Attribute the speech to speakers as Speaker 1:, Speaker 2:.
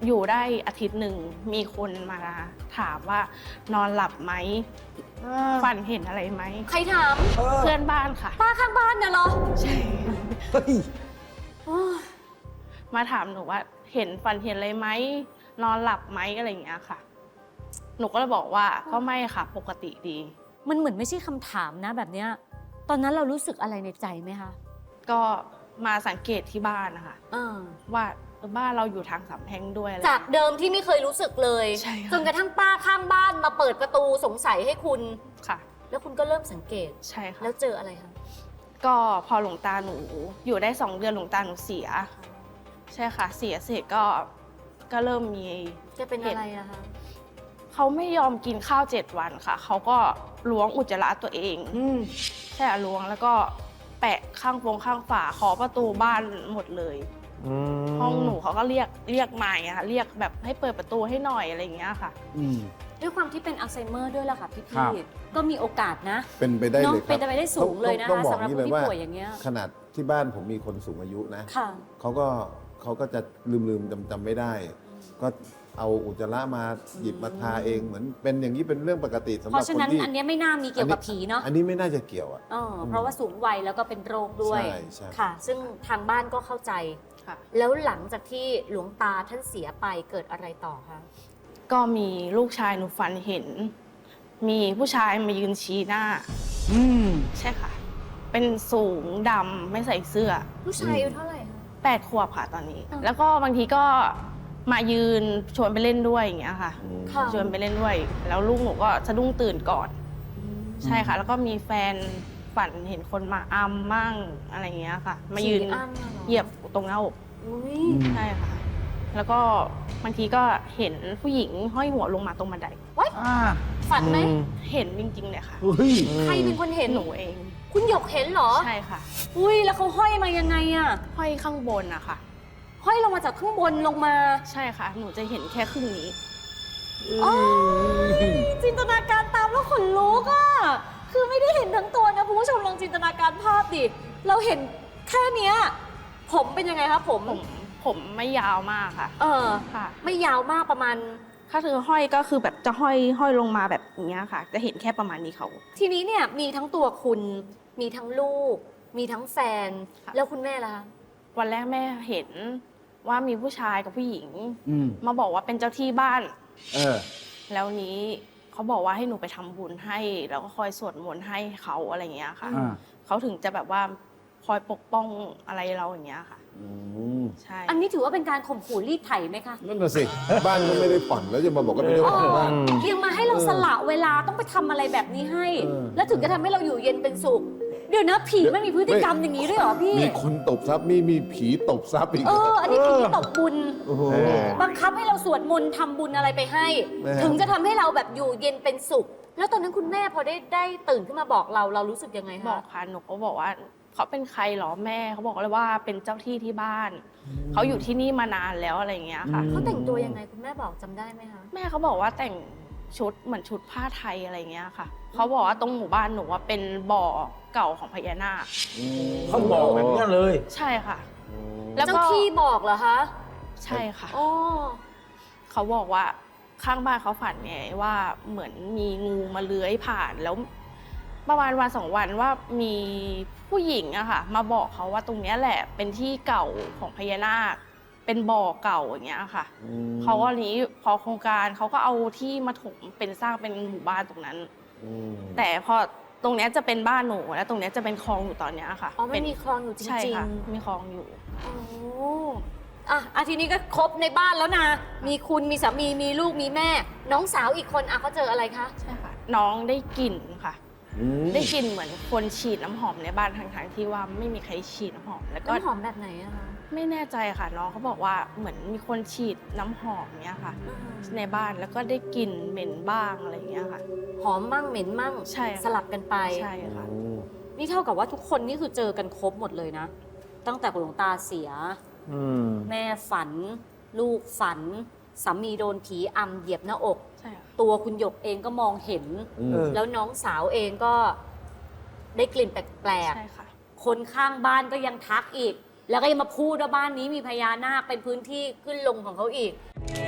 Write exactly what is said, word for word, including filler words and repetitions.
Speaker 1: อยู่ได้อาทิตย์หนึ่งมีคนมาถามว่านอนหลับไหมฝันเห็นอะไรไหม
Speaker 2: ใครถาม
Speaker 1: เพื่อนบ้านค่ะ
Speaker 2: ป้าข้างบ้านน่ะเหรอ
Speaker 1: ใช่
Speaker 3: เฮ้ย
Speaker 2: โอ้ย
Speaker 1: มาถามหนูว่าเห็นฝันเห็นอะไรไหมนอนหลับไหมอะไรอย่างเงี้ยค่ะ หนูก็เลยบอกว่าก็ไม่ค่ะปกติดี
Speaker 2: มันเหมือนไม่ใช่คำถามนะแบบเนี้ยตอนนั้นเรารู้สึกอะไรในใจไหมคะ
Speaker 1: ก็มาสังเกตที่บ้านนะคะ
Speaker 2: เออ
Speaker 1: ว่าบ้านเราอยู่ทางสามแพร่งด้วยอะไร
Speaker 2: จากเดิมที่ไม่เคยรู้สึกเลย
Speaker 1: ใช่ค่ะ
Speaker 2: จนกระทั่งป้าข้างบ้านมาเปิดประตูสงสัยให้คุณ
Speaker 1: ค่ะ
Speaker 2: แล้วคุณก็เริ่มสังเกต
Speaker 1: ใช่ค่ะ
Speaker 2: แล้วเจออะไรคะ
Speaker 1: ก็พอหลวงตาหนูอยู่ได้สองเดือนหลวงตาหนูเสีย ใช่ค่ะ เสียเสร็จก็ก็เริ่มมี
Speaker 2: จะเป็นอะไรอะคะ
Speaker 1: เขาไม่ยอมกินข้าวเจ็ดวันค่ะเขาก็ล้วงอุจจาระตัวเอง
Speaker 3: อืม
Speaker 1: ใช่ค่ะล้วงแล้วก็แปะข้างฟงข้างฝาขอประตูบ้านหมดเลย ห้องหนูเขาก็เรียกเรียกใหม่อะค่ะเรียกแบบให้เปิดประตูให้หน่อยอะไรอย่างเงี้ยค่ะ
Speaker 3: อืม
Speaker 2: ด้วยความที่เป็นอัลไซเมอร์ด้วยล่ะค่ะพี่
Speaker 3: ครับ
Speaker 2: พี่ก็มีโอกาสนะ
Speaker 4: เป็นไปได้
Speaker 2: เนอะ
Speaker 4: เลยครับ
Speaker 2: เป็นไปได้สูงเลยนะคะ
Speaker 4: ต้องบอก
Speaker 2: สำหรับ
Speaker 4: นี่
Speaker 2: คน
Speaker 4: เลย
Speaker 2: ที่
Speaker 4: ว่า
Speaker 2: ป่วยอย่างเงี้ย
Speaker 4: ขนาดที่บ้านผมมีคนสูงอายุนะ
Speaker 2: ค่ะ
Speaker 4: เขาก็เขาก็จะลืมลืมจำจำไม่ได้ ก็เอาอุจจาระมาหยิบมาทาเองเหมือนเป็นอย่างนี้เป็นเรื่องปกติสำห
Speaker 2: เพ
Speaker 4: รับ
Speaker 2: ราะฉะ
Speaker 4: คน
Speaker 2: นั้น
Speaker 4: ที่
Speaker 2: อันเนี้ยไม่น่ามีเกี่ยวกับผีเนาะ
Speaker 4: อันนี้ไม่น่าจะเกี่ยวอ่ะ
Speaker 2: เออเพราะว่าสูงวัยแล้วก็เป็นโรคด้วย
Speaker 4: ใช่ใช่
Speaker 2: ค่ะ ซึ่งทางบ้านก็เข้าใจ
Speaker 1: ค่ะ
Speaker 2: แล้วหลังจากที่หลวงตาท่านเสียไปเกิดอะไรต่อคะ
Speaker 1: ก็มีลูกชายหนูฝันเห็น มีผู้ชายมายืนชี้หน้า
Speaker 3: อืม
Speaker 1: ใช่ค่ะ เป็นสูงดำไม่ใส่เสื้อ
Speaker 2: ผู้ชายอายุเท่าไหร่คะ
Speaker 1: แปดขวบค่ะตอนนี้
Speaker 2: อ่า
Speaker 1: แล้วก็บางทีก็มายืนชวนไปเล่นด้วยอย่างเงี้ยค่ะ
Speaker 4: อืม
Speaker 2: ค่ะ
Speaker 1: ชวนไปเล่นด้วย แล้วลูกหนูก็สะดุ้งตื่นก่อน ใช่ค่ะ แล้วก็มีแฟนฝันเห็นคนมาอัมมั่งอะไรอย่างเงี้ยค่ะ มายืน
Speaker 2: ผีอ้ำอะหรอ
Speaker 1: เหยียบตรงหน้าอก
Speaker 2: อุ๊ย
Speaker 3: อืม
Speaker 1: ใช่ค่ะ แล้วก็บางทีก็เห็นผู้หญิงห้อยหัวลงมาตรงบันได
Speaker 3: อ่า
Speaker 2: ฝันไหม
Speaker 1: เห็นจริงๆเลยค่ะ
Speaker 3: เฮ้ย
Speaker 2: ใครเป็นคนเห็น
Speaker 1: หนูเอง
Speaker 2: คุณหยกเห็นเหรอ
Speaker 1: ใช่ค่ะ
Speaker 2: อุ้ยแล้วเขาห้อยมายังไงอะ
Speaker 1: ห้อยข้างบนอะค่ะ
Speaker 2: ห้อยลงมาจากข้างบนลงมา
Speaker 1: ใช่ค่ะ หนูจะเห็นแค่ครึ่งนี้
Speaker 2: อ๋อจินตนาการตามแล้วขนลุกอะคือไม่ได้เห็นทั้งตัวนะคุณผู้ชมลองจินตนาการภาพดิ เราเห็นแค่เนี้ยผมเป็นยังไงคะผม
Speaker 1: ผมผมไม่ยาวมากค่ะ
Speaker 2: เออ
Speaker 1: ค่ะ
Speaker 2: ไม่ยาวมากประมาณ
Speaker 1: ถ้าคือห้อยก็คือแบบจะห้อยห้อยลงมาแบบอย่างเงี้ยค่ะ จะเห็นแค่ประมาณนี้เขา
Speaker 2: ทีนี้เนี่ยมีทั้งตัวคุณ มีทั้งลูก มีทั้งแฟน
Speaker 1: ค่ะ
Speaker 2: แล้วคุณแม่ล่ะคะ
Speaker 1: วันแรกแม่เห็นว่ามีผู้ชายกับผู้หญิง
Speaker 3: อืม
Speaker 1: มาบอกว่าเป็นเจ้าที่บ้าน
Speaker 3: เออ
Speaker 1: แล้วนี้เขาบอกว่าให้หนูไปทำบุญให้ แล้วก็คอยสวดมนต์ให้เขาอะไรอย่างเงี้ยค่ะ
Speaker 3: อ่า
Speaker 1: เขาถึงจะแบบว่าคอยปกป้องอะไรเราอย่างเงี้ยค่ะ
Speaker 4: อืม
Speaker 1: ใช่
Speaker 2: อันนี้ถือว่าเป็นการข่มขู่รีดไถไหมคะ
Speaker 4: นั่นน่ะสิ บ้านก็ไม่ได้ผ่อนแล้วจะมาบอกว่าเป็นเจ้าของบ้าน
Speaker 2: ยังมาให้เราสละเวลาต้องไปทำอะไรแบบนี้ให้
Speaker 4: เออ
Speaker 2: แล้วถึงจะทำให้เราอยู่เย็นเป็นสุข เดี๋ยวนะผีมันมีพฤติกรรมอย่างนี้ด้วยเหรอพี่
Speaker 4: มีคนตบทรัพย์มีมีผีตบทรัพย์อีก
Speaker 2: เออ อันนี้ผีตบบุญ
Speaker 4: โอ้โห
Speaker 2: บังคับให้เราสวดมนต์ทำบุญอะไรไปให้
Speaker 4: แม่
Speaker 2: ถึงจะทำให้เราแบบอยู่เย็นเป็นสุข แล้วตอนนั้นคุณแม่พอได้ได้ตื่นขึ้นมาบอกเราเรารู้สึกยังไง
Speaker 1: บอ
Speaker 2: คะ
Speaker 1: กค่ะหนูก็บอกว่าเขาเป็นใครเหรอแม่เขาบอกเลยว่าเป็นเจ้าที่ที่บ้าน เขาอยู่ที่นี่มานานแล้วอะไรอย่างเงี้ยค่ะ
Speaker 3: อืม
Speaker 2: เขาแต่งตัวยังไงคุณแม่บอกจำได้ไหมคะ
Speaker 1: แม่เขาบอกว่าแต่งชุดเหมือนชุดผ้าไทยอะไรเงี้ยค่ะเขาบอกว่าตรงหมู่บ้านหนูว่าเป็นบ่อเก่าของพญานาค
Speaker 3: เขาบอกแบบนี้เลย
Speaker 1: ใช่ค่ะ แล้ว
Speaker 2: เจ้า
Speaker 1: ก็
Speaker 2: ที่บอกเหรอคะ
Speaker 1: ใช่ค่ะ
Speaker 2: อ๋อ
Speaker 1: เขาบอกว่าข้างบ้านเขาฝันไงว่าเหมือนมีงูมาเลื้อยผ่านแล้วประมาณวันสองวันว่ามีผู้หญิงอะค่ะ มาบอกเขาว่าตรงเนี้ยแหละเป็นที่เก่าของพญานาค เป็นบ่อเก่าอย่างเงี้ยค่ะ เขาก็นี้พอโครงการเขาก็เอาที่มาถมเป็นสร้างเป็นหมู่บ้านตรงนั้น แต่พอตรงเนี้ยจะเป็นบ้านหนูและตรงเนี้ยจะเป็นคลองอยู่ตอนเนี้ยค่ะ
Speaker 2: อ๋อมัน
Speaker 1: เป็น
Speaker 2: มีคลองอยู่จ
Speaker 1: ใช่
Speaker 2: ริง
Speaker 1: ค่ะ
Speaker 2: ๆ
Speaker 1: มีคลองอยู่
Speaker 2: โอ้อ่ะอาทีนี้ก็ครบในบ้านแล้วนะ มีคุณ มีสามี มีลูก มีแม่ น้องสาวอีกคนอ่ะเขาเจออะไรคะ
Speaker 1: ใช่ค่ะ น้องได้กลิ่นค่ะ ได้กลิ่นเหมือนคนฉีดน้ำหอมในบ้านทั้งๆที่ว่าไม่มีใครฉีดน้ำหอม แล้วก็
Speaker 2: น้ำหอมแบบไหนอะคะ
Speaker 1: ไม่แน่ใจค่ะ น้องเขาบอกว่าเหมือนมีคนฉีดน้ำหอมเนี้ยค่ะ ในบ้านแล้วก็ได้กลิ่นเหม็นบ้างอะไรอย่างเงี้ยค่ะ
Speaker 2: หอมมั่งเหม็นมั่ง
Speaker 1: ใช่ค่ะ
Speaker 2: สลับกันไป
Speaker 1: ใช่ค่ะ
Speaker 2: นี่เท่ากับว่าทุกคนนี่คือเจอกันครบหมดเลยนะ ตั้งแต่หลวงตาเสีย
Speaker 3: อืม
Speaker 2: แม่ฝัน ลูกฝัน สามีโดนผีอำเหยียบหน้าอก
Speaker 1: ใช่ค่ะ
Speaker 2: ตัวคุณหยกเองก็มองเห็น
Speaker 3: เออ
Speaker 2: แล้วน้องสาวเองก็ได้กลิ่นแปลก
Speaker 1: ใช่ค่ะ
Speaker 2: ๆ คนข้างบ้านก็ยังทักอีก แล้วก็ยังมาพูดว่าบ้านนี้มีพญานาคเป็นพื้นที่ขึ้นลงของเขาอีก
Speaker 3: อ